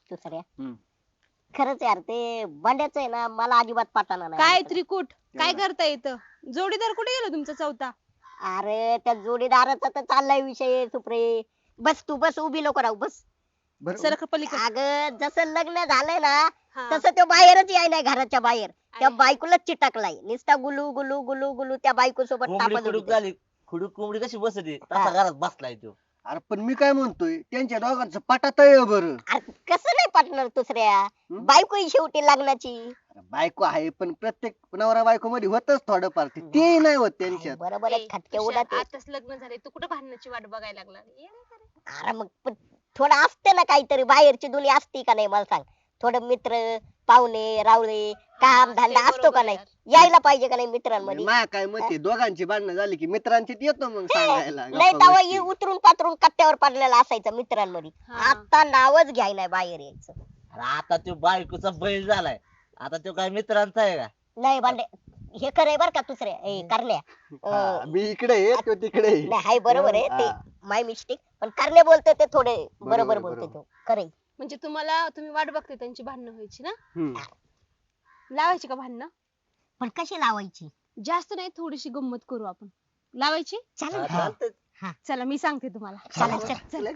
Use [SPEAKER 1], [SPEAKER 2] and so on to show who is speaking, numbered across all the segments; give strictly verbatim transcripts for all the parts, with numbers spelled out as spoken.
[SPEAKER 1] दुसऱ्या
[SPEAKER 2] हम्म.
[SPEAKER 1] खरंच यार ते बंड्याच आहे ना मला अजिबात पटाना नाही
[SPEAKER 3] काय
[SPEAKER 1] आवडत.
[SPEAKER 3] त्रिकुट काय करता येतं जोडीदार कुठे गेलो तुमचा चौथा?
[SPEAKER 1] अरे त्या जोडीदाराचा तर चाललाय विषय सुप्रे. बस तू बस उभी नको राहू बस.
[SPEAKER 2] बरं
[SPEAKER 3] सरक पलीकडे.
[SPEAKER 1] अगं जसं लग्न झालंय ना
[SPEAKER 3] हा.
[SPEAKER 1] तसं तो बाहेरच याय नाही घराच्या बाहेर. त्या
[SPEAKER 3] अरे.
[SPEAKER 1] बायकोला चिटकलाय नुसता गुलू गुलू गुलू गुलू त्या बायको सोबत
[SPEAKER 4] कोंबडी
[SPEAKER 1] तापत
[SPEAKER 4] खुडूक
[SPEAKER 1] होती.
[SPEAKER 4] झाली खुडूक कोंबडी कशी बसते
[SPEAKER 1] हा.
[SPEAKER 4] तसा घरात बसलाय तो.
[SPEAKER 2] अरे पण मी काय म्हणतोय त्यांच्या दोघांचं पटात आहे बरं.
[SPEAKER 1] अरे कसं नाही पटणार दुसऱ्या
[SPEAKER 2] हम्म?
[SPEAKER 1] बायको ही शेवटी लग्नाची.
[SPEAKER 2] अरे बायको आहे पण प्रत्येक नवरा बायको मध्ये होतच थोडंफार ते ते नाही होत त्यांच्यात.
[SPEAKER 1] बरोबर आहे
[SPEAKER 3] ए,
[SPEAKER 1] खटके
[SPEAKER 3] तुषार,
[SPEAKER 1] उडत
[SPEAKER 3] आताच लग्न झाले तू कुठं भांडणाची वाट बघायला लागला ये रे का रे?
[SPEAKER 1] अरे मग पण थोडं असते ना काहीतरी बाहेरची दुनिया असती का नाही मला सांग. थोडं मित्र पाहुणे रावळे काम
[SPEAKER 3] ते
[SPEAKER 1] धंदा असतो
[SPEAKER 3] बरोबर
[SPEAKER 1] का नाही
[SPEAKER 3] यार.
[SPEAKER 1] यायला पाहिजे का नाही मित्रांमध्ये.
[SPEAKER 2] मा काय मत आहे, दोघांची भांडणं झाली की मित्रांची येतो मग सांगायला
[SPEAKER 1] नाही
[SPEAKER 2] गप्पा
[SPEAKER 1] तेव्हा
[SPEAKER 2] गोष्टी.
[SPEAKER 1] ही उतरून पातरून कट्ट्यावर पडलेला असायचा मित्रांमध्ये.
[SPEAKER 3] हा.
[SPEAKER 1] आता नावच घ्याय नाही बाहेर यायचं.
[SPEAKER 4] अरे आता तो बायकोचा बैल झालाय. आता तो काय मित्रांचा आहे का?
[SPEAKER 1] नाही भांडे हे खरंय बर का दुसऱ्या ए करण्या
[SPEAKER 2] हा,
[SPEAKER 1] अं,
[SPEAKER 2] मी इकडे आहे तो तिकडे आहे.
[SPEAKER 1] नाही हाय बरोबर आहे ते
[SPEAKER 2] हा.
[SPEAKER 1] माय मिस्टेक पण करणे बोलते ते थोडे बरोबर
[SPEAKER 2] बरोबर,
[SPEAKER 1] बोलते
[SPEAKER 2] बरोबर.
[SPEAKER 1] तो खरंय.
[SPEAKER 3] म्हणजे तुम्हाला तुम्ही वाट बघते त्यांची भांडणं व्हायची ना
[SPEAKER 2] हम्म.
[SPEAKER 3] लावायची का भांडणं?
[SPEAKER 1] पण कशी लावायची
[SPEAKER 3] जास्त नाही थोडीशी गंमत करू आपण. लावायची?
[SPEAKER 1] चालेल
[SPEAKER 4] हा,
[SPEAKER 1] ना?
[SPEAKER 4] चालतंय.
[SPEAKER 3] चला मी सांगते तुम्हाला.
[SPEAKER 1] चला चल
[SPEAKER 3] चल.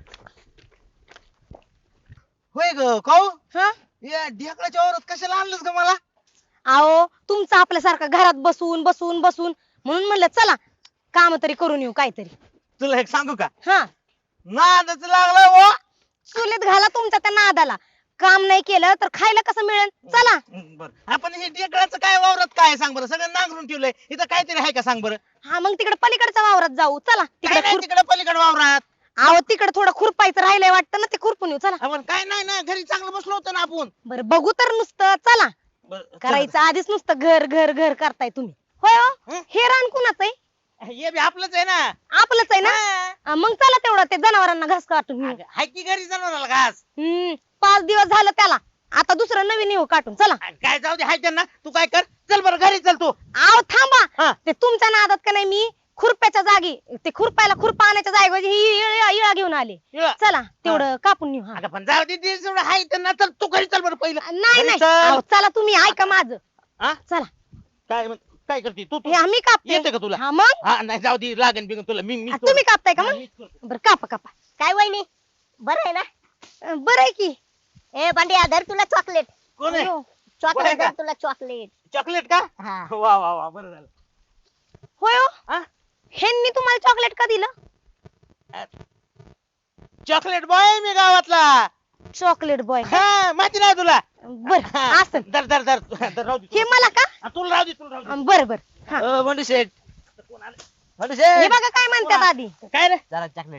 [SPEAKER 5] होय ग काऊ
[SPEAKER 3] हा
[SPEAKER 5] या ढेकळाच्या वावरात कशाला आणलंस ग मला?
[SPEAKER 3] अहो तुमचं आपल्यासारखं घरात बसून बसून बसून म्हणून म्हणलं चला काम तरी करून येऊ काहीतरी.
[SPEAKER 5] तुला एक सांगू का
[SPEAKER 3] हा
[SPEAKER 5] नादच लागला वो.
[SPEAKER 3] चुलीत घाला तुमच्या त्या नादाला. काम नाही केलं तर खायला कसं मिळेल. चला.
[SPEAKER 5] बर आपण हे ढेकळाचं काय वावरात काय आहे सांग बरं सगळं नांगरून ठेवलंय इथं काहीतरी आहे का सांग बरं.
[SPEAKER 3] हा मग तिकडे पलीकडच्या वावरात जाऊ चला.
[SPEAKER 5] काय
[SPEAKER 3] तिकडे
[SPEAKER 5] नाही
[SPEAKER 3] खुर-
[SPEAKER 5] तिकडे पलीकडे वावरात.
[SPEAKER 3] अहो तिकडे थोडं खुरपायचं राहिलंय वाटतं ना ते खुरपून येऊ चला.
[SPEAKER 5] आपण काय नाही ना घरी चांगलं बसलो होतो ना आपण.
[SPEAKER 3] बरं बघू तर नुसतं चला.
[SPEAKER 5] बरं, चल.
[SPEAKER 3] करायचं आधीच नुसतं घर घर घर करताय तुम्ही. होय हो?
[SPEAKER 5] हं?
[SPEAKER 3] हे रान कुणाचं आहे?
[SPEAKER 5] हे बी आपलंच आहे ना.
[SPEAKER 3] आपलंच आहे ना.
[SPEAKER 5] हा.
[SPEAKER 3] हा, मग चला तेवढं ते जनावरांना घास काटून घेऊ.
[SPEAKER 5] अगं, हाय की घरी जनावराला घास.
[SPEAKER 3] हम्म पाच दिवस झालं त्याला. आता दुसरं नवीन येऊ काटून चला.
[SPEAKER 5] काय जाऊ दे हाय त्यांना तू काय कर चल बरं घरी चल तू.
[SPEAKER 3] आव थांबा.
[SPEAKER 5] हा.
[SPEAKER 3] ते तुमच्या नादात का नाही मी खुरप्याच्या जागी ते खुरपायला खुरपा आणायच्या जागेऐवजी ही इळा इळा घेऊन आले.
[SPEAKER 5] इळा.
[SPEAKER 3] चला तेवढं कापून नेऊ. हा.
[SPEAKER 5] अगं पण जाऊ दे ते जेवढं हाय त्यांना चल तू घरी चल बरं पहिलं.
[SPEAKER 3] नाही
[SPEAKER 5] घरी
[SPEAKER 3] नाही
[SPEAKER 5] चल.
[SPEAKER 3] अहो, चला तुम्ही ऐका माझं.
[SPEAKER 5] हा?
[SPEAKER 3] चला
[SPEAKER 5] काय म्हण- काय करते तू तू
[SPEAKER 3] हे आम्ही कापते.
[SPEAKER 5] येते का तुला?
[SPEAKER 3] हा मग
[SPEAKER 5] हा नाही जाऊ दे लागेल बिगन तुला मी मी
[SPEAKER 3] हा, तुम्ही कापताय का
[SPEAKER 5] हा,
[SPEAKER 3] मग?
[SPEAKER 5] मीच करतो.
[SPEAKER 3] बरं कापा कापा.
[SPEAKER 1] काय वहिनी बरं आहे ना.
[SPEAKER 3] अं, बरं आहे की.
[SPEAKER 1] ए भांड्या धर तुला चॉकलेट.
[SPEAKER 5] कोण आहे
[SPEAKER 3] अयो.
[SPEAKER 1] चॉकलेट
[SPEAKER 5] बरं
[SPEAKER 1] धर
[SPEAKER 5] का?
[SPEAKER 1] तुला चॉकलेट.
[SPEAKER 5] चॉकलेट का
[SPEAKER 1] हा
[SPEAKER 5] वा वा वा बरं झालं.
[SPEAKER 3] होय हो?
[SPEAKER 5] हा?
[SPEAKER 3] ह्यांनी तुम्हाला चॉकलेट का दिलं?
[SPEAKER 5] चॉकलेट बॉय मी गावातला.
[SPEAKER 3] चॉकलेट बॉय
[SPEAKER 5] हा माहिती नाही तुला.
[SPEAKER 3] बर
[SPEAKER 5] हा,
[SPEAKER 3] असं
[SPEAKER 5] धर धर धर धर राहू दे
[SPEAKER 3] हे
[SPEAKER 5] तुला.
[SPEAKER 3] मला का
[SPEAKER 5] हा, तुला राहू दे तुला राहू दे.
[SPEAKER 3] अं, बरं बर हा
[SPEAKER 4] अ, बंडू शेठ
[SPEAKER 5] कोण आलं?
[SPEAKER 4] बंडू
[SPEAKER 3] हे
[SPEAKER 4] शेठ
[SPEAKER 3] बघा काय म्हणतात आधी.
[SPEAKER 5] काय रे
[SPEAKER 4] जरा चॉकलेट.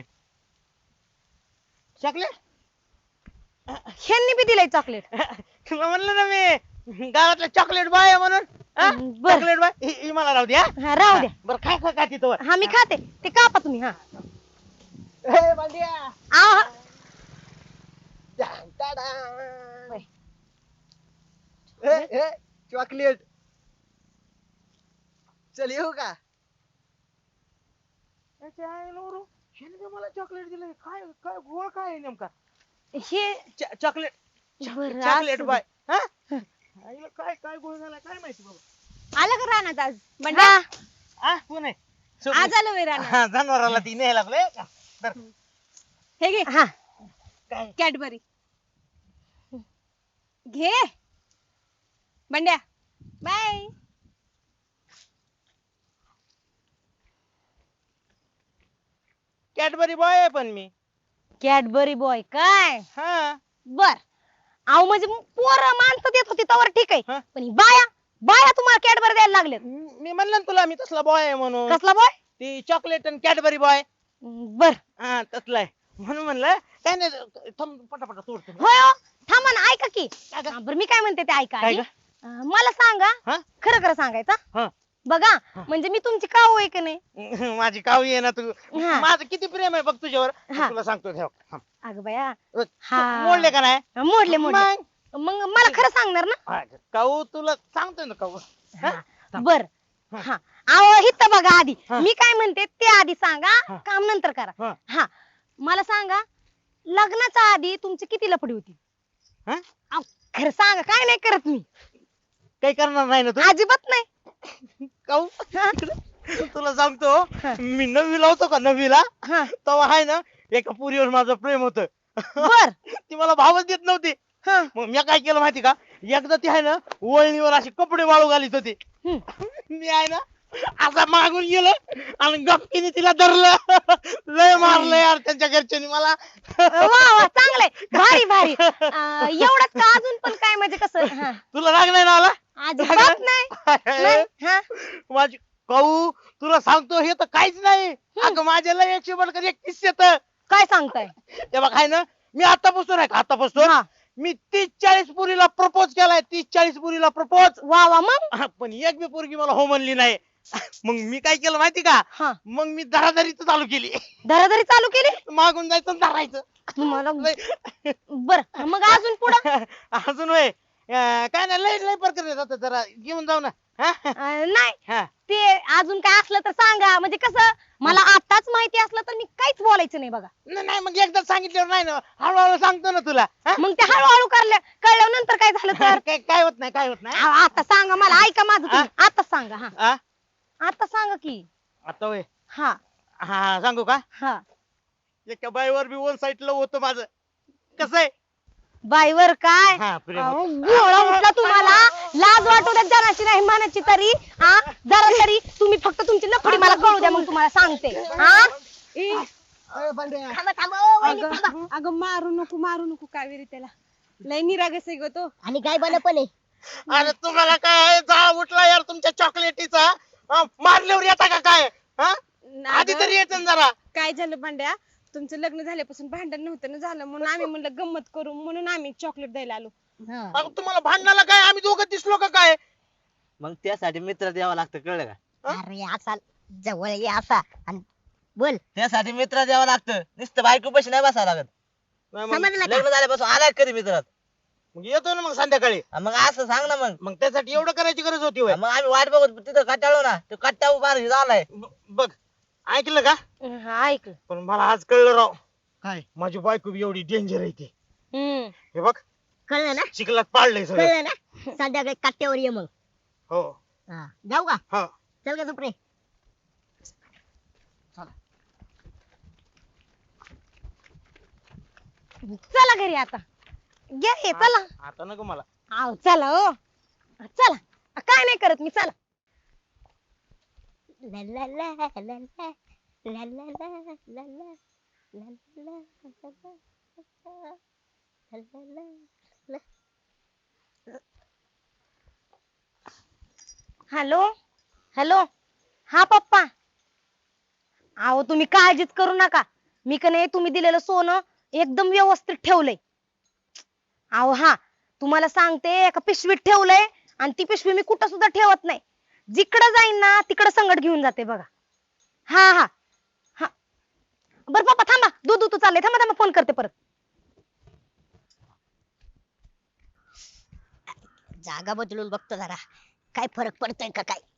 [SPEAKER 5] चॉकलेट
[SPEAKER 3] ह्यांनी बी दिलंय चॉकलेट.
[SPEAKER 5] तुला म्हणलं ना मी गावातला चॉकलेट बॉय आहे म्हणून. हा?
[SPEAKER 3] बरं.
[SPEAKER 5] चॉकलेट बॉय ही ही मला राहू दे हा.
[SPEAKER 3] हा राहू द्या.
[SPEAKER 5] बरं काय काय खाती तो.
[SPEAKER 3] हा मी खाते ते कापा तुम्ही. हा
[SPEAKER 5] ए, बांडिया.
[SPEAKER 3] आव, हा.
[SPEAKER 2] ए, ए, चॉकलेट चल येऊ का.
[SPEAKER 5] याच्या आईला ओरू. ह्याने का मला चॉकलेट दिलंय काय काय गोळ काय आहे नेमका.
[SPEAKER 3] हे
[SPEAKER 5] च- चॉकलेट
[SPEAKER 3] बरं,
[SPEAKER 5] चॉकलेट
[SPEAKER 3] असं
[SPEAKER 5] बॉय हा आईला काय काय गोळ झाला काय माहिती बाबा.
[SPEAKER 3] आलं का रानात आज बंड्या?
[SPEAKER 5] हा कोण आहे
[SPEAKER 3] आज आलो वे रानात.
[SPEAKER 5] हा जनावराला ती न्यायला लागले तर
[SPEAKER 3] हे घे हा
[SPEAKER 5] काय
[SPEAKER 3] कॅडबरी घे बंड्या बाय.
[SPEAKER 5] कॅडबरी बॉय आहे पण मी.
[SPEAKER 3] कॅडबरी बॉय काय
[SPEAKER 5] हा
[SPEAKER 3] बर. अहो म्हणजे पोरं माणसं देत होती तवर ठीक आहे
[SPEAKER 5] हा.
[SPEAKER 3] पण ही बाया बाया तुम्हाला कॅडबरी द्यायला लागले.
[SPEAKER 5] मी मी म्हणलं ना तुला मी तसला बॉय आहे म्हणून.
[SPEAKER 3] कसला बॉय?
[SPEAKER 5] ती चॉकलेट आणि कॅडबरी बॉय
[SPEAKER 3] बर
[SPEAKER 5] हा तसला आहे म्हणून म्हणलं काय नाही थांब पटापटा तोडतो मी.
[SPEAKER 3] होय हो. थांबा ना ऐका की.
[SPEAKER 5] काय गं?
[SPEAKER 3] हा, बरं मी काय म्हणते ते ऐका
[SPEAKER 5] काय
[SPEAKER 3] आधी.
[SPEAKER 5] गं?
[SPEAKER 3] अं, मला सांगा
[SPEAKER 5] हा?
[SPEAKER 3] खरं खरं सांगायचं
[SPEAKER 5] हा.
[SPEAKER 3] बघा
[SPEAKER 5] हा.
[SPEAKER 3] म्हणजे मी तुमची काऊ आहे की नाही.
[SPEAKER 5] माझी कावी आहे ना तू.
[SPEAKER 3] हा.
[SPEAKER 5] माझं किती प्रेम आहे बघ तुझ्यावर
[SPEAKER 3] हा.
[SPEAKER 5] तुला सांगतो ठेव थांब.
[SPEAKER 3] अगं बया
[SPEAKER 5] तू
[SPEAKER 3] हा.
[SPEAKER 5] मोडले का नाही
[SPEAKER 3] हा, मोडले मोडले.
[SPEAKER 5] मग?
[SPEAKER 3] मग मला खरं सांगणार ना.
[SPEAKER 5] हा, काऊ तुला सांगतोय ना काऊ. हा?
[SPEAKER 3] हा, बर
[SPEAKER 5] हा.
[SPEAKER 3] हा अहो हित बघा आधी
[SPEAKER 5] हा.
[SPEAKER 3] मी काय म्हणते ते आधी सांगा
[SPEAKER 5] हा.
[SPEAKER 3] काम नंतर करा.
[SPEAKER 5] हा.
[SPEAKER 3] हा मला सांगा लग्नाच्या आधी तुमची किती लफडी होती? खरं सांगा काय नाही करत मी
[SPEAKER 5] काही करणार नाही ना तू
[SPEAKER 3] अजिबात नाही.
[SPEAKER 5] काऊ
[SPEAKER 3] हा,
[SPEAKER 5] तुला सांगतो
[SPEAKER 3] हा.
[SPEAKER 5] मी नववीला होतो का नववीला
[SPEAKER 3] हा.
[SPEAKER 5] तेव्हा आहे ना एका पुरीवर माझं प्रेम होतं.
[SPEAKER 3] बर
[SPEAKER 5] ती मला भावच देत नव्हती.
[SPEAKER 3] हा.
[SPEAKER 5] मग मी काय केलं माहिती का एकदा ती आहे ना वळणीवर अशी कपडे वाळू घालीत होती.
[SPEAKER 3] हम्म.
[SPEAKER 5] मी आहे ना असा मागून गेलो आणि गपकीने तिला धरलं. लय मारलं यार त्यांच्या घरच्यांनी मला.
[SPEAKER 3] वा वा चांगलंय भारी भारी अं, एवढंच का अजून पण काय म्हणजे कसं हा.
[SPEAKER 5] तुला राग नाही ना आला?
[SPEAKER 3] अजिबात नाही नाही. हा.
[SPEAKER 5] माझी काऊ तुला सांगतो हे तर काहीच नाही. अगं माझ्या लय एकशे बडकर एक किस्से येत.
[SPEAKER 3] काय सांगताय
[SPEAKER 5] ते बघ आहे ना मी आतापासून आहे का आतापासून
[SPEAKER 3] हा.
[SPEAKER 5] मी तीस चाळीस पुरीला प्रपोज केलाय. तीस चाळीस पुरीला प्रपोज.
[SPEAKER 3] वा वा मग
[SPEAKER 5] पण एक बी पोरगी मला हो म्हणली नाही. मग मी काय केलं माहिती का
[SPEAKER 3] हा
[SPEAKER 5] मग मी धराधरीच चालू केली.
[SPEAKER 3] धराधरी चालू केली
[SPEAKER 5] मागून जायचं आणि धरायचं.
[SPEAKER 3] तुम्हाला
[SPEAKER 5] लय-
[SPEAKER 3] बर मग अजून पुढं
[SPEAKER 5] अजून वय काय नाही लय लय प्रकार येतात जरा घेऊन जाऊ ना. हा?
[SPEAKER 3] अं, नाही
[SPEAKER 5] हा.
[SPEAKER 3] ते अजून काय असलं तर सांगा म्हणजे कसं मला आताच माहिती असलं तर मी काहीच बोलायचं नाही बघा.
[SPEAKER 5] न- नाही मग एकदा सांगितल्यावर नाही ना हळूहळू सांगतो ना तुला. हा?
[SPEAKER 3] मग ते हळूहळू करल्या कळल्यानंतर काय झालं तर
[SPEAKER 5] काय काय होत नाही काय होत नाही.
[SPEAKER 3] आ- आता सांगा मला ऐका माझं तुम्ही. आता सांगा हा
[SPEAKER 5] हा?
[SPEAKER 3] आता सांगा की
[SPEAKER 5] आता वय
[SPEAKER 3] हा
[SPEAKER 5] हा सांगू का
[SPEAKER 3] हा
[SPEAKER 5] एका बाईवर बी वन साईडला होतं माझं. कसं आहे
[SPEAKER 3] बाईवर काय
[SPEAKER 5] हा प्रेम
[SPEAKER 3] अहो,
[SPEAKER 5] होतं.
[SPEAKER 3] गोळा उठला तुम्हाला लाज वाटू द्या जराशी नाही मनाची तरी हा जरा तरी तुम्ही फक्त तुमची नफडी मला कळू द्या मग तुम्हाला सांगते हा
[SPEAKER 2] अरे पांड्या
[SPEAKER 1] थांबा थांबा ओ, वहिनी,
[SPEAKER 6] अगं
[SPEAKER 1] थांबा.
[SPEAKER 6] अगं मारू नको मारू नको कावेरी त्याला लय निरागस आहे ग तो.
[SPEAKER 1] आणि काय बन पण आहे
[SPEAKER 5] अरे तुम्हाला काय जाळ उठला यार तुमच्या चॉकलेटीचा. हा, मारल्यावर येता का काय हा? आधी
[SPEAKER 6] अगं,
[SPEAKER 5] तरी येतं ना जरा.
[SPEAKER 6] काय झालं पांड्या तुमचं लग्न झाल्यापासून भांडण नव्हतं ना झालं म्हणून आम्ही म्हणलं गंमत करू म्हणून आम्ही चॉकलेट द्यायला आलो.
[SPEAKER 1] हा.
[SPEAKER 5] अगं तुम्हाला भांडणाला काय आम्ही दोघं दिसलो का काय.
[SPEAKER 4] मग त्यासाठी मित्र द्यावा लागतं कळलं का?
[SPEAKER 1] अरे असा जवळ ये असा आणि बोल
[SPEAKER 4] त्यासाठी मित्र द्यावं लागतं नुसतं बायको पैसे नाही बसावं लागत.
[SPEAKER 5] नाही मग-
[SPEAKER 1] समजलं का
[SPEAKER 4] लग्न झाल्यापासून आलाय कधी मित्रात
[SPEAKER 5] मग येतो ना मग संध्याकाळी.
[SPEAKER 4] मग असं सांग ना मग.
[SPEAKER 5] मग त्यासाठी एवढं करायची गरज होती होय.
[SPEAKER 4] मग आम्ही वाट बघत तिथं कटाळलो ना तो कट्टा उभा झालाय.
[SPEAKER 5] ब- बघ ऐकलं का
[SPEAKER 3] हा ऐकलं
[SPEAKER 5] पण मला आज कळलं राव
[SPEAKER 2] काय
[SPEAKER 5] माझी बायको बी एवढी डेंजर आहे ती.
[SPEAKER 3] हम्म
[SPEAKER 5] हे बघ
[SPEAKER 1] कळलं ना
[SPEAKER 5] चिखलात पाडलंय सगळं.
[SPEAKER 1] कळलं ना संध्याकाळी कट्ट्यावर ये मग
[SPEAKER 5] हो
[SPEAKER 1] हा. जाऊ का
[SPEAKER 5] हा
[SPEAKER 1] चल का सुप्रे
[SPEAKER 3] चला घरी आता घ्या हे चला
[SPEAKER 5] आता नको मला.
[SPEAKER 3] आव चला हो चला काय नाही करत मी चला
[SPEAKER 1] ला ला ला ला ला ला ला ला ला ला ला ला ला ला ला ला.
[SPEAKER 3] हॅलो हॅलो हा पप्पा अहो तुम्ही काळजीच करू नका मी का नाही तुम्ही दिलेलं सोनं एकदम व्यवस्थित ठेवलंय. अहो हा तुम्हाला सांगते एका पिशवीत ठेवलंय आणि ती पिशवी मी कुठं सुद्धा ठेवत नाही. जिकडं जाईन ना तिकडं संगट घेऊन जाते बघा. हा हा हा बर पप्पा थांबा दूध दूध चाललंय थांबा थांबा फोन करते परत.
[SPEAKER 1] जागा बदलून बघतो जरा काय फरक पडतोय का काय.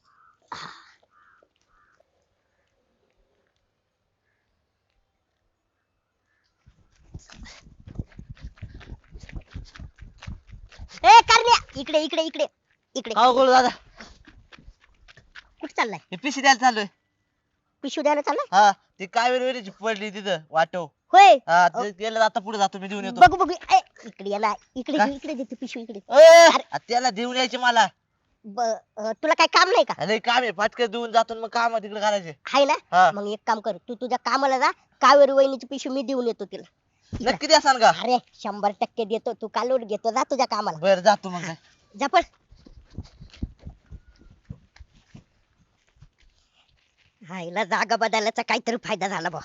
[SPEAKER 1] ए करण्या इकडे इकडे इकडे इकडे
[SPEAKER 4] हो गोळ दादा
[SPEAKER 1] कुठे चाललाय
[SPEAKER 4] हे पिशी द्यायला चाललोय.
[SPEAKER 1] पिशवी द्यायला चाललाय
[SPEAKER 4] हा ती काय वेळेची पडली तिथं वाटव.
[SPEAKER 1] होय
[SPEAKER 4] हा ते गेलं आता पुढे जातो मी देऊन येतो.
[SPEAKER 1] बघू बघू ए, इकडे याला इकडे
[SPEAKER 4] काय?
[SPEAKER 1] दे, इकडे देते पिशवी इकडे
[SPEAKER 4] ए, आ, त्याला देऊन यायचे मला.
[SPEAKER 1] ब- अं, तुला काय काम नाही का
[SPEAKER 4] अरे काम आहे फाटकन देऊन जातो आणि मग काम तिकडे करायचे.
[SPEAKER 1] हाय ना
[SPEAKER 4] हा
[SPEAKER 1] मग एक काम कर तू तुझ्या कामाला जा कावेरी वहिनीची पिशवी मी देऊन येतो तिला.
[SPEAKER 4] नक्की द्या सांग का.
[SPEAKER 1] अरे शंभर टक्के देतो तू कालवड घेतो जा तुझ्या कामाला
[SPEAKER 4] बर जातो मग काय.
[SPEAKER 1] जा पण हायला जागा बदलायचा काहीतरी फायदा झाला बा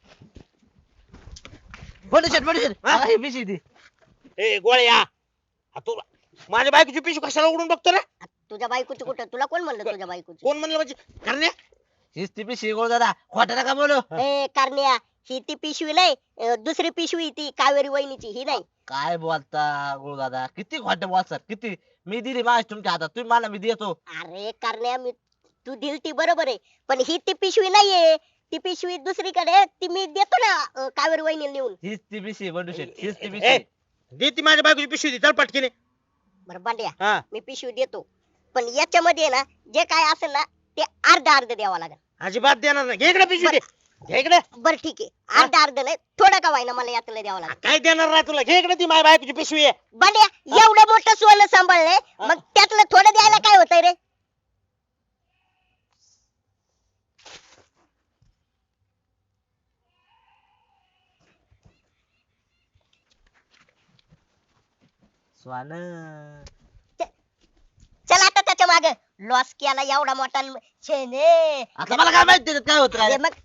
[SPEAKER 4] बंडू शेट बंडू शेट
[SPEAKER 5] हा?
[SPEAKER 4] हा, हे पिशी दे.
[SPEAKER 5] ए गोळ्या हा, तू माझ्या बायकोची पिशवी कशाला उघडून बघतो रे.
[SPEAKER 1] तुझ्या बायकोची कुठं तुला कोण म्हणलं तुझ्या बायकोची
[SPEAKER 5] कोण म्हणलं म्हणजे करण्या
[SPEAKER 4] हीच ती पिशी गोळ दादा खोटा नका बोलू.
[SPEAKER 1] ए कारण्या ही ती पिशवी नाही अं, दुसरी पिशवी ती कावेरी वहिनीची ही नाही
[SPEAKER 4] काय बोलता गोळ दादा किती खोटे बोलतात किती. मी दिली माझी तुमच्या हातात तुम्ही मला मी देतो.
[SPEAKER 1] अरे कारण्या मी तू दिल ती बरोबर आहे पण ही ती पिशवी नाहीये ती पिशवी दुसरीकडे आहे, ती मी देतो ना अं, कावेरी वहिनीला नेऊन
[SPEAKER 4] हीच ती पिशी बंडू शेट हीच ती
[SPEAKER 5] ए,
[SPEAKER 4] पिशी.
[SPEAKER 5] दे ती माझ्या बायकोची पिशवी दे चल पटकीने.
[SPEAKER 1] बरं बांड्या
[SPEAKER 5] हा
[SPEAKER 1] मी पिशवी देतो पण याच्यामध्ये ना जे काय असेल ना ते अर्ध अर्ध द्यावं लागेल.
[SPEAKER 5] अजिबात देणार नाही. घे इकडे पिशवी दे. घे इकडे.
[SPEAKER 1] बरं ठीक आहे अर्ध अर्ध नाही थोडं का व्हायना मला यातलं द्यावं लागेल.
[SPEAKER 5] काय देणार नाही तुला. घे इकडे ती माझ्या बायकोची पिशवी आहे.
[SPEAKER 1] बांड्या एवढं मोठं सोनं सांभाळलंय मग त्यातलं थोडं द्यायला काय होतंय रे.
[SPEAKER 4] स्वान
[SPEAKER 1] चल आता त्याच्या मागे लॉस केला एवढा मोठा शेने.
[SPEAKER 4] आता मला काय माहिती त्याच्यात काय होत
[SPEAKER 1] अरे मग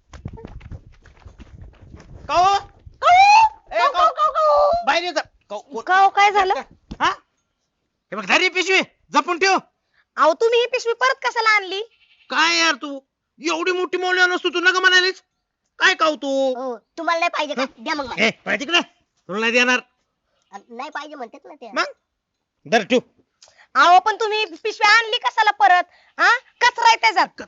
[SPEAKER 5] काहो? ए, काहो? बाहेर ये जा. काहो, कोण-
[SPEAKER 3] का हो, काय झालं?
[SPEAKER 5] हा? हे बघ धरी पिशवी जपून ठेव.
[SPEAKER 3] अहो तुम्ही ही पिशवी परत कशाला आणली?
[SPEAKER 5] काय यार तू एवढी मोठी मौल्य नसतो तू नका म्हणालीस. काय काव तू?
[SPEAKER 1] हो तुम्हाला नाही पाहिजे का द्या मग मला.
[SPEAKER 5] ए पाहिजे तिकडे. तुला नाही देणार.
[SPEAKER 1] नाही पाहिजे म्हणतात ना ते.
[SPEAKER 5] मग धर ठेव.
[SPEAKER 3] अहो पण तुम्ही पिशवी आणली कशाला परत? हा कचरा आहे त्याच्यात.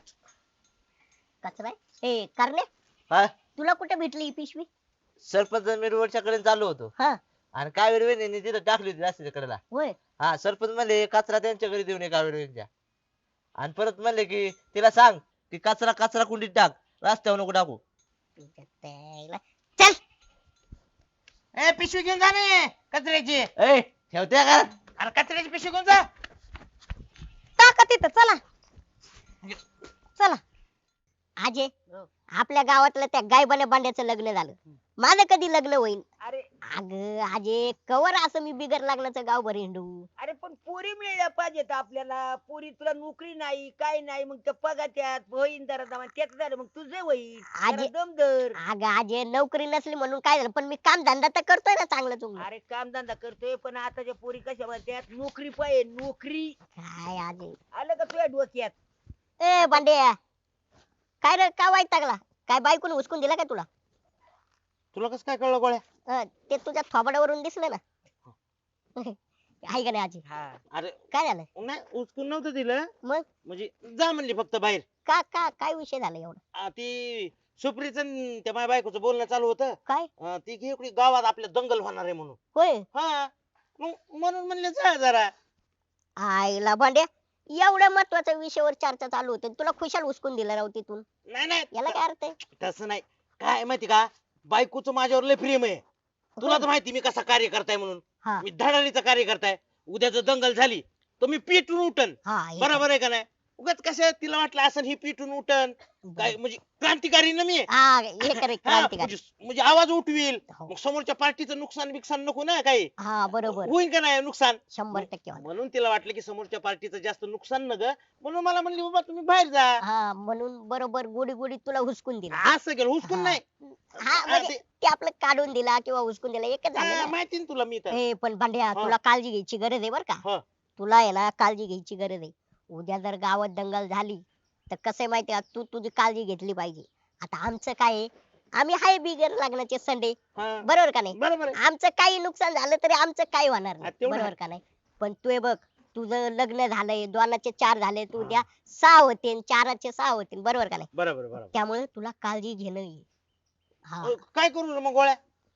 [SPEAKER 1] कचरा आहे? ए करणे
[SPEAKER 4] हा
[SPEAKER 1] तुला कुठे भेटली ही पिशवी?
[SPEAKER 4] सरपंच मिरवडच्या कडे चाललो होतो
[SPEAKER 1] हा
[SPEAKER 4] आणि कावेरी वहिनी तिथं टाकली होती रस्त्याच्या कडेला.
[SPEAKER 1] होय
[SPEAKER 4] हा सरपंच म्हणले कचरा त्यांच्या घरी देऊन ये कावेरी वहिनीच्या. आणि परत म्हणले की तिला सांग की कचरा कचरा कुंडीत टाक रस्त्यावर नको टाकू.
[SPEAKER 1] तुझ्या त्याला. चल
[SPEAKER 5] ए पिशवी घेऊन जा ने कचऱ्याची.
[SPEAKER 4] ए ठेवते का
[SPEAKER 5] अरे कचऱ्याची पिशवी घेऊन जा.
[SPEAKER 3] टाका तिथं चला चला.
[SPEAKER 1] आजे आपल्या गावातलं त्या गायबाने बांड्याचं लग्न झालं. माझं कधी लग्न होईल?
[SPEAKER 7] अरे
[SPEAKER 1] अग आजे कवर असं मी बिगर लग्नाचं गाव भर हिंडू.
[SPEAKER 7] अरे पण पोरी मिळल्या पाहिजेत आपल्याला. पोरी तुला नोकरी नाही काय नाही मग त्या पगात्यात होईन जरा जमा त्याच झालं मग तुझं होईल
[SPEAKER 1] आजी-
[SPEAKER 7] जरा दम धर.
[SPEAKER 1] अग आजे नोकरी नसली म्हणून काय झालं पण मी काम धंदा तर करतोय ना चांगलं चुंगलं.
[SPEAKER 7] अरे कामधंदा करतोय पण आताच्या पोरी कशा म्हणतात नोकरी पाहिजे नोकरी.
[SPEAKER 1] काय आजे
[SPEAKER 7] आलं का तुझ्या डोक्यात?
[SPEAKER 1] ए बांड्या काय रे काय वाईट लागला? काय बायकोने हुसकून दिला काय तुला?
[SPEAKER 5] तुला कसं काय कळलं गोळ्या?
[SPEAKER 1] अं, ते तुझ्या थोबाडावरून दिसलं ना. आहे का नाही आजी?
[SPEAKER 7] हा
[SPEAKER 5] अरे
[SPEAKER 1] काय झालं
[SPEAKER 5] नाही उचकून नव्हतं दिलं.
[SPEAKER 1] मग?
[SPEAKER 5] म्हणजे जा म्हणली फक्त बाहेर.
[SPEAKER 1] का का काय विषय झाला एवढा?
[SPEAKER 5] आ, ती सुप्रीच त्या माझ्या बायकोचं बोलणं चालू होतं.
[SPEAKER 1] काय
[SPEAKER 5] अं, ती की इकडे गावात आपल्या दंगल होणार आहे म्हणून.
[SPEAKER 1] होय
[SPEAKER 5] हा मग म्हणून म्हणले जा जरा.
[SPEAKER 1] आईला भांड्या एवढ्या महत्वाच्या विषयावर चर्चा चालू होती तुला खुशाल उचकून दिलं राव तिथून.
[SPEAKER 5] नाही नाही
[SPEAKER 1] याला काय अर्थ आहे?
[SPEAKER 5] तसं नाही. काय माहिती का बायकोचं माझ्यावर लय प्रेम आहे. तुला तर माहिती मी कसा कार्य करताय म्हणून.
[SPEAKER 1] हा
[SPEAKER 5] मी धडाडीचा कार्य करताय. उद्या जर दंगल झाली तर मी पेटून उठन.
[SPEAKER 1] हा हे
[SPEAKER 5] बरोबर आहे का नाही? उगाच कसं तिला वाटलं असं ही पेटून उठन काय म्हणजे क्रांतिकारी ना मी आहे.
[SPEAKER 1] हा हे करे
[SPEAKER 5] हा,
[SPEAKER 1] क्रांतिकारी.
[SPEAKER 5] म्हणजे म्हणजे आवाज उठवील.
[SPEAKER 1] हो.
[SPEAKER 5] मग समोरच्या पार्टीचं नुकसान बिकसान नको ना काही.
[SPEAKER 1] हा बरोबर
[SPEAKER 5] होईल का नाही नुकसान.
[SPEAKER 1] शंभर टक्के होणार.
[SPEAKER 5] म्हणून तिला वाटलं की समोरच्या पार्टीचं जास्त नुकसान न ग म्हणून मला म्हणली बाबा तुम्ही बाहेर जा.
[SPEAKER 1] हा म्हणून बरोबर गोडी गोडी तुला हुसकून दिला.
[SPEAKER 5] असं केलं हुसकून
[SPEAKER 1] हा.
[SPEAKER 5] नाही.
[SPEAKER 1] हा म्हणजे ते आपलं काढून दिला किंवा हुसकून दिला एकच झालं
[SPEAKER 5] हा,
[SPEAKER 1] ना.
[SPEAKER 5] माहिती ना तुला मी तर.
[SPEAKER 1] ए पण भांड्या
[SPEAKER 5] हा.
[SPEAKER 1] तुला काळजी घ्यायची गरज आहे बर का.
[SPEAKER 5] हा.
[SPEAKER 1] तुला आहे ना काळजी घ्यायची गरज आहे. उद्या जर गावात दंगल झाली तर कसं आहे माहितीये का तू तुझी काळजी घेतली पाहिजे. आता आमचं काय आहे आम्ही हाय बिगर लग्नाचे संडे
[SPEAKER 5] हा.
[SPEAKER 1] बरोबर का नाही?
[SPEAKER 5] बरोबर आहे.
[SPEAKER 1] आमचं काही नुकसान झालं तरी आमचं काही होणार
[SPEAKER 5] हा,
[SPEAKER 1] नाही
[SPEAKER 5] तेवढं
[SPEAKER 1] बरोबर
[SPEAKER 5] आहे.
[SPEAKER 1] का नाही? पण तू हे बघ तुझं लग्न झालंय दोनाचे चार झाले तू उद्या सहा होते चाराचे सहा होतील बरोबर का नाही?
[SPEAKER 5] बरोबर बरोबर.
[SPEAKER 1] त्यामुळे तुला काळजी घेणं आहे. हा
[SPEAKER 5] अ, काय करू रे मग गोळ्या?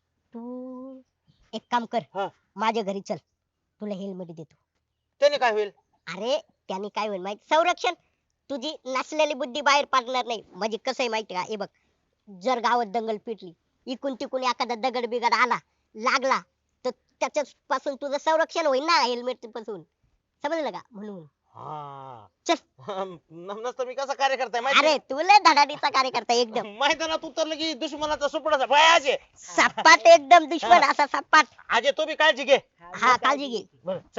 [SPEAKER 1] तू एक काम कर
[SPEAKER 5] हा.
[SPEAKER 1] माझ्या घरी चल तुला हेल्मेट देतो.
[SPEAKER 5] त्याने काय होईल?
[SPEAKER 1] अरे त्याने काय होईल माहिती संरक्षण तुझी नसलेली बुद्धी बाहेर पडणार नाही. म्हणजे कसं आहे माहिती का हे बघ जर गावात दंगल पेटली इकून तिकून एखादा दगड बिगड आला लागला तर त्याच्या पासून तुझं संरक्षण होईल ना हेल्मेट पासून. समजलं का? म्हणून
[SPEAKER 5] हा.
[SPEAKER 1] चल.
[SPEAKER 5] न- नसतं मी कसा कार्य करताय माहिती
[SPEAKER 1] अरे तुला धडाडीचा कार्यकर्ता एकदम
[SPEAKER 5] मैदानात उतरलं की दुश्मनाचा सुपडाचा भय आजे.
[SPEAKER 1] सपाट एकदम दुश्मन असा सपाट.
[SPEAKER 5] आजे तो बी काळजी घे.
[SPEAKER 1] हा काळजी घे.
[SPEAKER 5] बरं चल.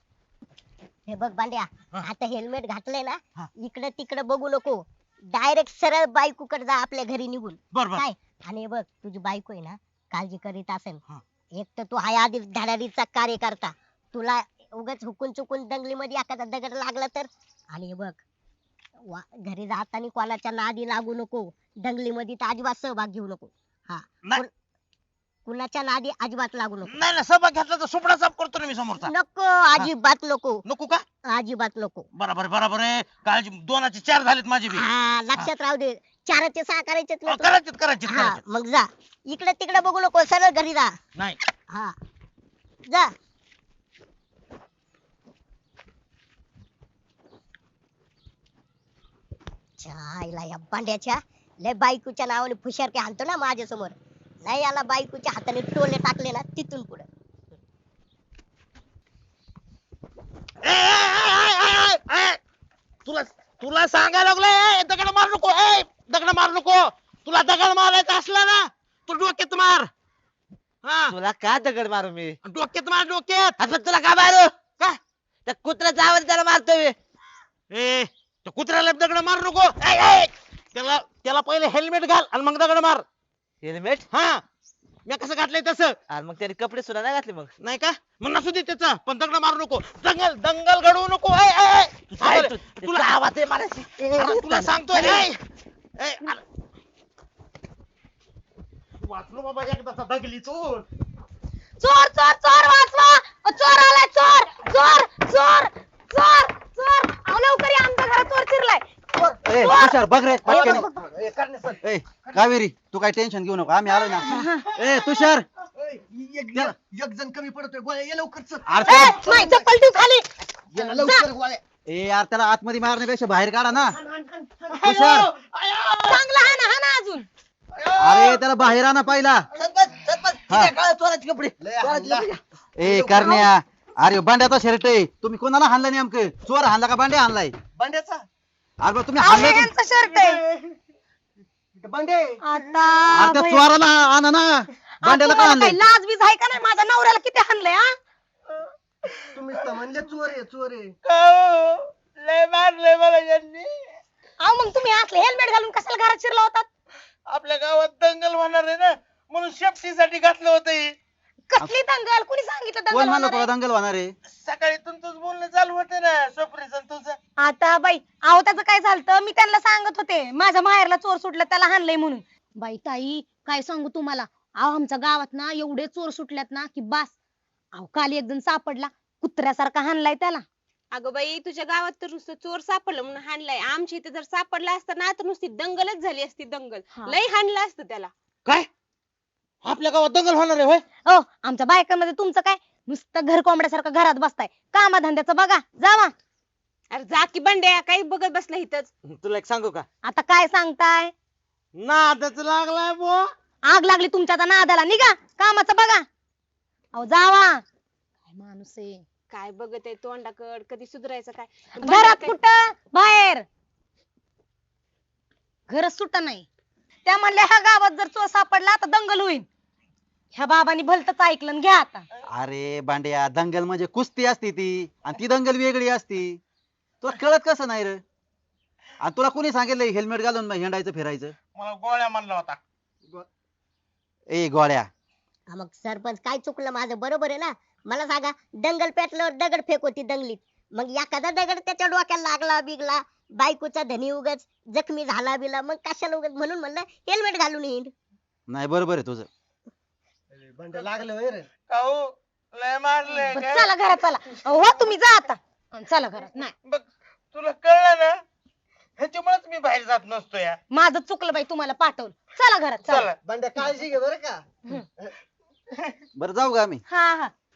[SPEAKER 1] हे बघ बांड्या
[SPEAKER 5] हा.
[SPEAKER 1] आता हेल्मेट घातलंय ना
[SPEAKER 5] हा.
[SPEAKER 1] इकडे तिकडे बघू नको डायरेक्ट सरळ बायकोकडे जा आपल्या घरी निघून.
[SPEAKER 5] बर बर.
[SPEAKER 1] काय आणि हे बघ तुझी बायको आहे ना काळजी करीत असेल.
[SPEAKER 5] हा.
[SPEAKER 1] एक तर तू हाय आधी धडाडीचा कार्य करता तुला उगाच हुकून चुकून दंगलीमध्ये एखादा दगड लागला तर. आणि हे बघ वा- घरी जाताना कोणाच्या नादी लागू नको दंगलीमध्ये तर अजिबात सहभाग घेऊ नको. हा
[SPEAKER 5] नाही.
[SPEAKER 1] कोण- कुणाच्या नादी अजिबात लागू नको.
[SPEAKER 5] नाही ना सहभाग घेतला तर सुपडा साफ करतो ना मी समोरचा.
[SPEAKER 1] नको अजिबात नको
[SPEAKER 5] नको का?
[SPEAKER 1] अजिबात नको.
[SPEAKER 5] बरोबर बरोबर आहे. काळजी दोनाचे चार झालेत माझे बी.
[SPEAKER 1] हा लक्षात राहू दे चाराचे सहा करायचेत ना
[SPEAKER 5] अ,
[SPEAKER 1] तुला?
[SPEAKER 5] करायचेत करायचेत
[SPEAKER 1] हा
[SPEAKER 5] करायचेत.
[SPEAKER 1] मग जा इकडे तिकडे बघू नको सरळ घरी जा.
[SPEAKER 5] नाही
[SPEAKER 1] हा जा. छायला या बांड्याच्या लय बायकोच्या नावाने फुशारके हाणतो ना माझ्या समोर. नाही याला बायकोच्या हाताने टोले टाकले ना तिथून पुढे
[SPEAKER 5] ए, ए, ए, ए, ए, ए, तुला तुला सांगायला लागलोय, ए, दगड मार नको, ए, दगड मार नको. तुला दगड मारायचा असला ना तू डोक्यात मार. हा
[SPEAKER 4] तुला का दगड मारू मी?
[SPEAKER 5] डोक्यात मार डोक्यात.
[SPEAKER 4] आता तुला का मारू?
[SPEAKER 5] का
[SPEAKER 4] त्या कुत्र्याचा आवाज त्याला मारतोय मी.
[SPEAKER 5] ए त्या कुत्र्याला दगड मार नको. ए, ए, त्याला त्याला पहिले हेल्मेट घाल आणि मग दगड मार.
[SPEAKER 4] हेल्मेट?
[SPEAKER 5] हा मी कसं घातलंय तसं
[SPEAKER 4] आणि मग त्याने कपडे सुद्धा नाही घातले मग.
[SPEAKER 5] नाही का मग नसू दे त्याचा पण दगड मारू नको. दंगल दंगल घडवू नको. ए, ए, ए,
[SPEAKER 4] काय
[SPEAKER 5] अरे,
[SPEAKER 4] तू-
[SPEAKER 5] तुला
[SPEAKER 4] तुला आवाज आहे मारायची.
[SPEAKER 5] अरे, तुला सांगतोय ए, ए, अरे. वाचलो बाबा एकदाचा दगली चोर.
[SPEAKER 3] चोर चोर चोर वाचवा अ, चोर आलाय चोर चोर चोर चोर चोर अहो लवकर या आमच्या घरात चोर शिरलाय.
[SPEAKER 2] ए तुषार बघ रे पटकन.
[SPEAKER 7] ए, करणे सर.
[SPEAKER 2] ए कावेरी तू काय टेन्शन घेऊ नको आम्ही आलोय ना. ए तुषार
[SPEAKER 7] एक एक जण कमी पडतोय गोळ्या ये लवकर चल.
[SPEAKER 2] अरे
[SPEAKER 3] ए,
[SPEAKER 2] त्याला-
[SPEAKER 3] नाही चप्पल ठेव खाली.
[SPEAKER 7] ये ना लवकर गोळ्या.
[SPEAKER 2] ए यार त्याला आतमध्ये मारण्यापेक्षा बाहेर काढा ना. तुषार
[SPEAKER 3] चांगला हा ना हा ना अजून.
[SPEAKER 2] अरे त्याला बाहेर आणा पहिला.
[SPEAKER 7] सरपंच सरपंच
[SPEAKER 2] हा.
[SPEAKER 7] तिच्या काळात चोराचे कपडे चोराचे कपडे.
[SPEAKER 2] ए करण्या अरे बांड्याचा शर्ट आहे तुम्ही कोणाला हाणला नेमकं? चोर हाणला का बांड्या हाणलाय?
[SPEAKER 7] बंड्याचा
[SPEAKER 2] अरे बा, तुम्ही
[SPEAKER 3] अहो,
[SPEAKER 2] हाणलाय
[SPEAKER 3] हे
[SPEAKER 2] कोण-
[SPEAKER 3] यांचा शर्ट आहे.
[SPEAKER 7] बंडे
[SPEAKER 3] आता
[SPEAKER 2] अरे त्या
[SPEAKER 3] भैया-
[SPEAKER 2] चोराला आणा ना.
[SPEAKER 3] अहो,
[SPEAKER 2] बांड्याला का
[SPEAKER 3] तुम्हाला
[SPEAKER 2] आणलंय?
[SPEAKER 3] काही लाज बीज आहे का नाही? माझ्या नवऱ्याला किती हाणलंय हा?
[SPEAKER 7] तुम्हीच तर म्हणले चोर आहे चोर आहे.
[SPEAKER 5] लय मारलंय मला यांनी.
[SPEAKER 3] अहो मग तुम्ही असले हेल्मेट घालून कशाला घरात शिरला होतात?
[SPEAKER 5] आपल्या गावात दंगल होणार आहे ना म्हणून सेफ्टीसाठी घातलं होतं हे.
[SPEAKER 3] कसली दंगल? कुणी सांगितलं
[SPEAKER 2] कोण
[SPEAKER 3] दंगल
[SPEAKER 2] म्हणलं
[SPEAKER 3] होणार
[SPEAKER 2] तुला
[SPEAKER 3] आहे?
[SPEAKER 2] दंगल होणार आहे?
[SPEAKER 5] सकाळी तुमचंच बोलणं चालू होतं ना स्वप्रेसन तुझं.
[SPEAKER 3] आता बाई अहो त्याचं काय झालं मी त्यांना सांगत होते माझ्या माहेरला चोर सुटला त्याला हाणलंय म्हणून. बाई ताई काय सांगू तुम्हाला अहो आमच्या गावात ना एवढे चोर सुटल्यात ना की बास. अहो काल एक जण सापडला कुत्र्यासारखा हाणलाय त्याला.
[SPEAKER 6] अगं बाई तुझ्या गावात तर नुसतं चोर सापडलं म्हणून हाणलाय. आमच्या इथे जर सापडला असता ना तर नुसती दंगलच झाली असती दंगल.
[SPEAKER 3] हा.
[SPEAKER 6] लय हाणलं असतं त्याला.
[SPEAKER 5] काय आपल्या गावात दंगल होणार आहे होय?
[SPEAKER 3] हो आमच्या बायकांमध्ये तुमचं काय नुसतं घर कोंबड्यासारखं घरात बसताय. कामाधंद्याचं बघा जावा.
[SPEAKER 6] अरे जा की बंड्या काही बघत बसला इथंच.
[SPEAKER 4] तुला एक सांगू का?
[SPEAKER 3] आता काय सांगताय?
[SPEAKER 5] नादच लागलाय बो.
[SPEAKER 3] आग लागली तुमच्या आता नादाला निघा कामाचं बघा. अहो जावा. काय माणूस आहे.
[SPEAKER 6] काय बघत आहे तोंडाकड कधी सुधरायचं काय.
[SPEAKER 3] घरात
[SPEAKER 6] काय-
[SPEAKER 3] कुठं बाहेर घरच सुट नाही. त्या म्हणल्या ह्या गावात जर चोर सापडला तर दंगल होईल. ह्या बाबांनी भलतच ऐकलं आणि घ्या आता.
[SPEAKER 2] अरे बांड्या दंगल म्हणजे कुस्ती असती ती आणि ती दंगल वेगळी असती. तुला कळत कसं नाही रे? आणि तुला कोणी सांगितलं हेल्मेट घालून हिंडायचं फिरायचं?
[SPEAKER 5] मला गोळ्या म्हणला होता.
[SPEAKER 2] ए गोळ्या
[SPEAKER 1] हा, मग सरपंच काय चुकलं माझं? बरोबर आहे ना. मला सांगा दंगल पेटल्यावर दगड फेक होती दंगलीत. मग एखादा दगड त्याच्या डोक्याला लागला बिगला बायकोचा धनी उगाच जखमी झाला बिला मग कशाला उगाच म्हणून म्हणलं हेल्मेट घालून हिंड.
[SPEAKER 2] नाही बरोबर आहे तुझं.
[SPEAKER 7] बंड्या लागलं होय रे.
[SPEAKER 5] काऊ लय मारलंय
[SPEAKER 3] बरं,
[SPEAKER 5] काय?
[SPEAKER 3] चला घरात चला. अहो, हो तुम्ही जा आता. अन चला घरात. नाही
[SPEAKER 5] बघ तुला कळलं ना ह्याच्यामुळेच मी बाहेर जात नसतो या.
[SPEAKER 3] माझं चुकलं बाई तुम्हाला पाठवलं. चला घरात चला.
[SPEAKER 5] चला
[SPEAKER 7] बंड्या काळजी घे बरं का.
[SPEAKER 2] बरं जाऊ का आम्ही?
[SPEAKER 3] हा हा